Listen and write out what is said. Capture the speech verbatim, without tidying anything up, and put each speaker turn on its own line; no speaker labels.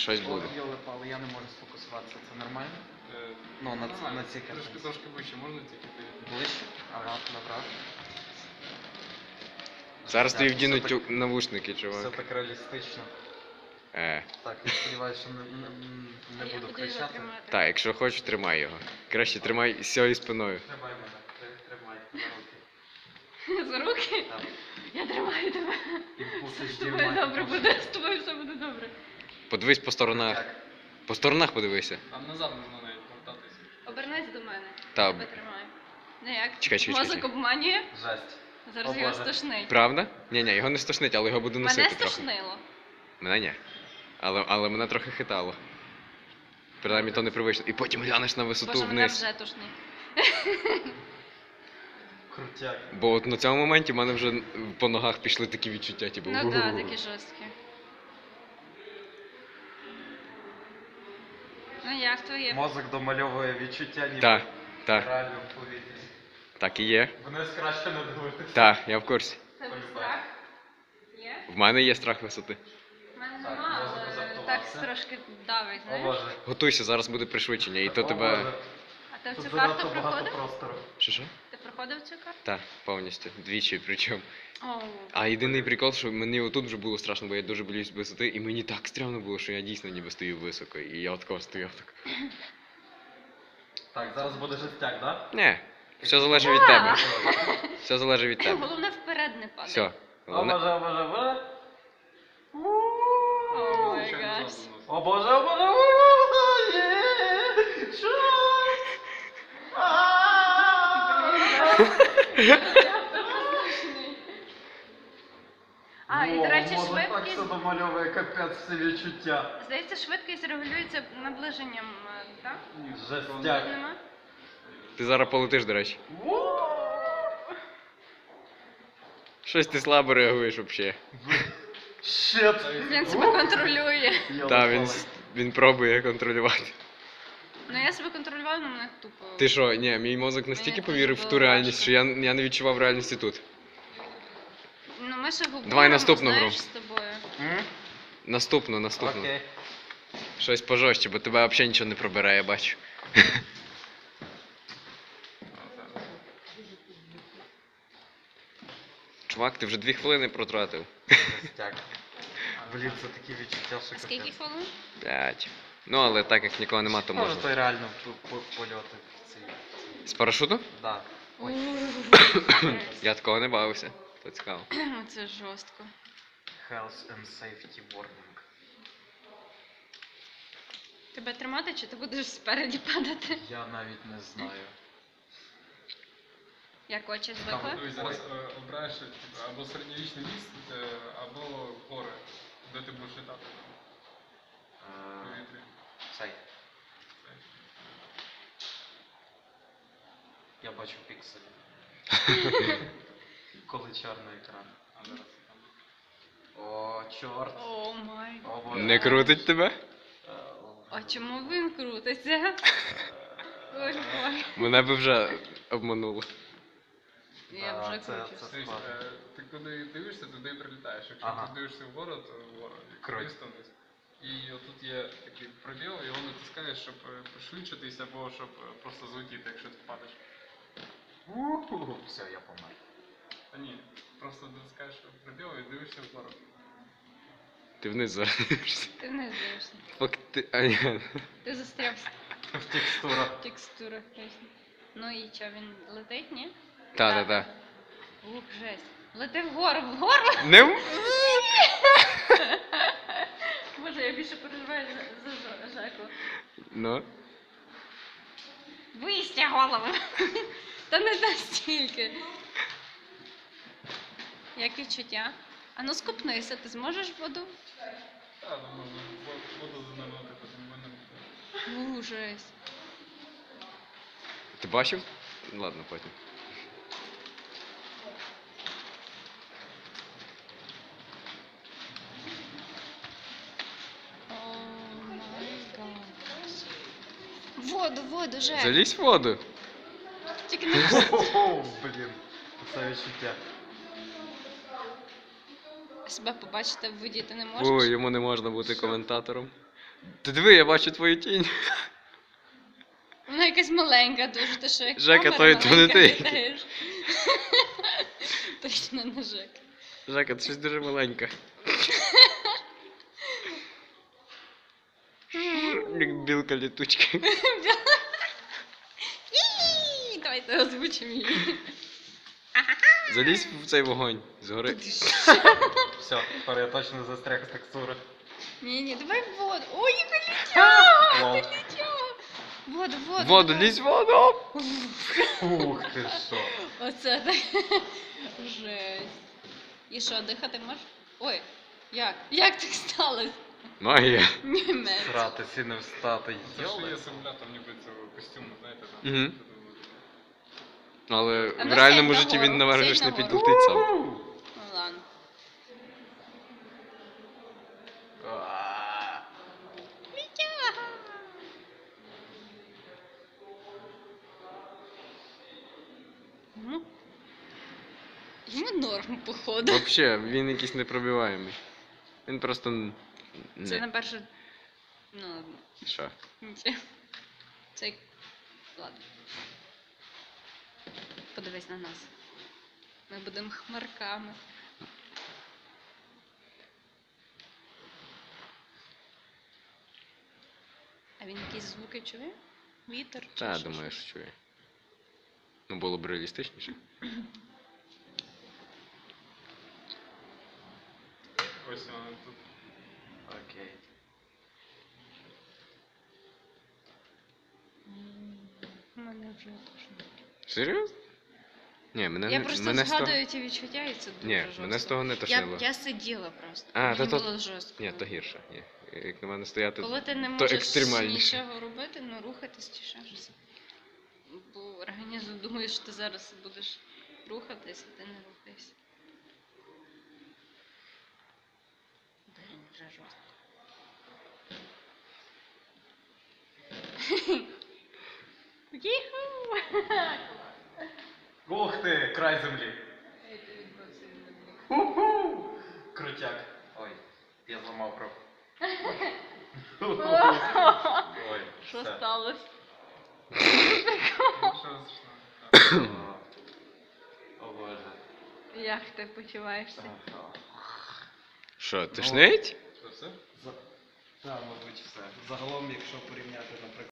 щось буде.
О, йоли-пали, я не можу сфокусуватися, це нормально?
Е,
Ну, на, ц-
нормально.
на цій
Трошки,
картинці.
трошки вище, можна тільки ти?
Ближче? Ага, набрав.
Зараз тобі
Так,
вдінуть
все
тю- навушники,
Все
чувак.
так реалістично.
Е.
Так, я сподіваюся, що не, не, не
Я
буду
буду його
кричати.
тримати.
Так, якщо хочеш, тримай його. Краще тримай з цією спиною.
Тримай мене, Ти- тримай за руки.
За руки?
Так.
Я тримаю тебе.
Імпульси
З
ж
тобою
дівмай,
добре
імпульси.
буде, з тобою все буде добре.
Подивись по сторонах.
Так.
По сторонах подивися.
А назад можна навіть повертатися.
Обернись до мене.
Та,
Тебе тримаю. Ну як?
Чекай, чекай,
Мозок
чекай.
обманює,
Жесть.
зараз
О,
його
Боже.
стошнить.
правда? Ні-ні, його не стошнить, але його буду носити
Мене
трохи.
стошнило.
Мене ні. Але, але мене трохи хитало. Принаймні то непривично. І потім глянеш на висоту
Боже, мене
вниз.
вже тошнить.
Крутяк.
Бо от на цьому моменті в мене вже по ногах пішли такі відчуття, типу.
Ну
«Угу».
так, такі жорсткі. Ну як твоє?
Мозок домальовує відчуття ніби
Так,
в
так,
реальному повітрі.
так і є.
Вниз краще не дивитися.
Так, я в курсі.
Тебе страх? Є?
В мене є страх висоти.
У мене
Так,
нема,
мозок
але
заактивувався.
так трошки давить,
О
знаєш?
Боже.
Готуйся, зараз буде пришвидшення, і то
О,
тебе.
Боже.
А ти в
Тут
цю карту
занадто багато
проходив?
простору.
Що що?
Ти проходив цю карту?
Так, повністю. Двічі причому.
О,
А єдиний прикол, що мені отут вже було страшно, бо я дуже боюсь висоти, і мені так стрьомно було, що я дійсно ніби стою високо, і я от кого стояв так.
Так, зараз буде жестяк, да?
Ні, все залежить від тебе. Все залежить від тебе.
головне вперед не падай.
Все.
О
Головне.
боже, о боже, о боже.
О май
Звичайно,
гаш.
назад виносити.
О боже, о боже, о боже, є! Що?
А, і, до речі,
Мозок так
швидкість,
все домальовує, капець всі відчуття.
здається, швидкість регулюється наближенням, е, так?
Жестяк.
Нема?
Ти зараз полетиш, до речі. Щось ти слабо реагуєш взагалі.
Щет.
Він себе контролює.
Так, він, с- він пробує контролювати.
Ну я себе контролювала, але мене тупо.
Ти що, ні, мій мозок настільки
Мені
повірив в
дуже
ту
було
реальність,
важко.
що я, я не відчував реальності тут.
Ну ми ще говоримо,
Давай наступну
знаєш,
гру.
з тобою.
М?
Наступно, наступно.
Окей.
Щось пожорстче, бо тебе взагалі нічого не пробере, я бачу. Чувак, ти вже дві хвилини протратив.
Жестяк. Блін, це такі відчуття, що
Скільки
капець.
хвилин?
П'ять. Ну, але так як нікого нема, то
Може,
можна.
той реально по- по- польоти в цій.
З парашуту?
Да. Ой.
Я такого не бавився. То цікаво.
Це жорстко.
Health and safety warning.
Тебе тримати чи ти будеш спереді падати?
Я навіть не знаю.
Як очі
Там
звикли?
Дивись, зараз е, обираєш типу, або середньовічний ліс, е, або гори, де ти будеш літати в
Е,
повітрі.
Цей. Я бачу пікселі. Коли чорний екран.
А зараз там.
О, чорт.
О май.
О, боже.
Не крутить тебе?
Е, о,
А чому він крутиться? Ой, ой.
Мене би вже обмануло.
Я
Да,
вже
це-
кручусь.
це-
Дивись, е, ти куди дивишся, туди і прилітаєш. Якщо
Ага.
ти дивишся вгору, то вгору.
Круть.
Вниз, то вниз. І отут є такий пробіл, його натискаєш, щоб е, пришвидшитись або щоб е, просто злетіти, якщо ти впадеш.
уху. Все, я помер.
Та ні, просто натискаєш пробіл і дивишся вгору.
Ти вниз зараз. дивишся.
Ти не дивишся.
Фак ти. А, ні.
Ти застряв
В текстурах.
в текстурах. точно. Ну і що, він летить, ні?
Та, та, та.
Ух, жесть. Лети вгору, вгору.
Не. м-
Боже, я більше переживаю за, за Жа- Жаку.
Ну.
Вистя голову. Та не настільки. Як відчуття? А ну скупнися, ти зможеш в воду?
Так, ну можна в- воду занурити, потім винен.
Ух, жесть.
Ти бачив? Ладно, потім.
О май гад. Воду, воду, Жек.
Залізь в воду.
Тільки не
О, блін. Це відчуття.
себе побачити в воді ти не можеш.
Ой, йому не можна бути коментатором. Ти диви, я бачу твою тінь.
Вона якась маленька дуже, ти що як
Жека,
камера
то- то не
маленька
ти.
літаєш. Точно не Жека.
Жека, це щось дуже маленьке. Як білка літучка.
Ій, Давайте озвучимо її.
Залізь в цей вогонь згори.
Все, тепер я точно застряг з текстури.
Ні, ні, давай в воду. Ой, яка літяга!
Вау.
Ти літяга! Воду, воду.
Воду,
давай.
лізь в воду!
Ух ти що.
Оце так. Жесть. І що, дихати можеш? Ой, як? Як так сталося?
Магія.
Німець.
Сратися не встати.
Це ж є
Йоле.
симулятор ніби цього костюму, знаєте, там.
Мгм. Але
А
в
ну
реальному
сядь
житті
нагору,
він наверх
сядь
ж не
нагору.
підлетить сам.
Ну ладно.
А,
Літяга! Ну, йому норм, походу.
Вообще, він якийсь непробиваємий. Він просто. н-
Це
Не.
на перше. Ну ладно.
Що?
Нічого. Це як- ладно. Подивись на нас. Ми будемо хмарками. А він якісь звуки чує? Вітер чи
Та,
ще
думаю,
щось?
що чує. Ну, було б реалістичніше.
Ось вона тут.
окей.
М, У мене вже тошно.
Серйозно? Ні, мене
Я
не-
просто
мене з того-
згадую ті відчуття, і це дуже
Ні,
жорстко.
мене з того не
Я,
тошнило.
я сиділа просто.
А,
Мені
то- то-
було жорстко.
Ні, то гірше. Ні. Як на мене стояти,
Коли ти не
то
можеш
екстремальніше.
нічого робити, ну рухатись чи ще щось. Бо організм думає, що ти зараз будеш рухатись, а ти не рухаєшся. Блін, вже жорстко. Їху!
Ух ти, край землі. Ху-ху. Крутяк. Ой, я зламав руку. Ой,
Що
все.
сталося?
Що страшного?
О боже.
Як ти почуваєшся?
Ага.
Що, тошнить?
Що все?
Так, мабуть, все. Загалом, якщо порівняти, наприклад.